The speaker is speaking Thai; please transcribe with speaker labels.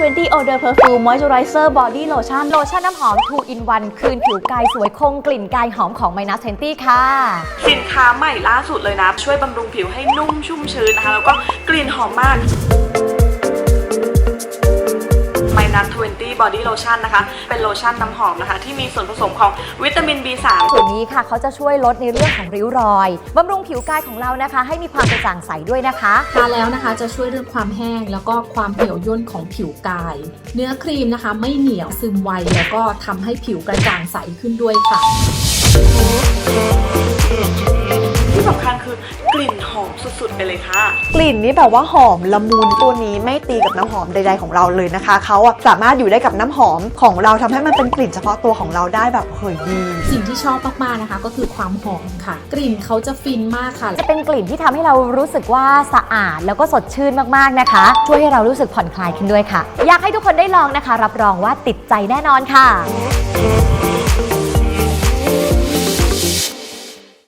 Speaker 1: 20 Odor Perfume Moisturizer Body Lotion โลชั่นน้ำหอม 2 in 1 คืนผิวกายสวยคงกลิ่นกายหอมของ Minus 20 ค่ะ
Speaker 2: สินค้าใหม่ล่าสุดเลยนะช่วยบำรุงผิวให้นุ่มชุ่มชื้นนะคะแล้วก็กลิ่นหอมมากMinus 20 Body Lotion นะคะเป็นโลชั่นน้ำหอมนะคะที่มีส่วนผสมของวิตามิน B3
Speaker 1: ส่วนนี้ค่ะเขาจะช่วยลดในเรื่องของริ้วรอยบำรุงผิวกายของเรานะคะให้มีความกระจ่างใสด้วยนะคะ
Speaker 3: ทาแล้วนะคะจะช่วยเรื่องความแห้งแล้วก็ความเหี่ยวย่นของผิวกายเนื้อครีมนะคะไม่เหนียวซึมไวแล้วก็ทำให้ผิวกระจ่างใสขึ้นด้วยค่ะ
Speaker 2: ที่สำคัญคือกลิ่นหอมสุดๆไปเลยค่ะ
Speaker 4: กลิ่นนี้แบบว่าหอมละมุนตัวนี้ไม่ตีกับน้ำหอมใดๆของเราเลยนะคะเขาสามารถอยู่ได้กับน้ำหอมของเราทำให้มันเป็นกลิ่นเฉพาะตัวของเราได้แบบเฮ้ยดี
Speaker 3: สิ่งที่ชอบมากๆนะคะก็คือความหอมค่ะกลิ่นเขาจะฟินมากค่ะ
Speaker 1: จะเป็นกลิ่นที่ทำให้เรารู้สึกว่าสะอาดแล้วก็สดชื่นมากๆนะคะช่วยให้เรารู้สึกผ่อนคลายขึ้นด้วยค่ะอยากให้ทุกคนได้ลองนะคะรับรองว่าติดใจแน่นอนค่ะ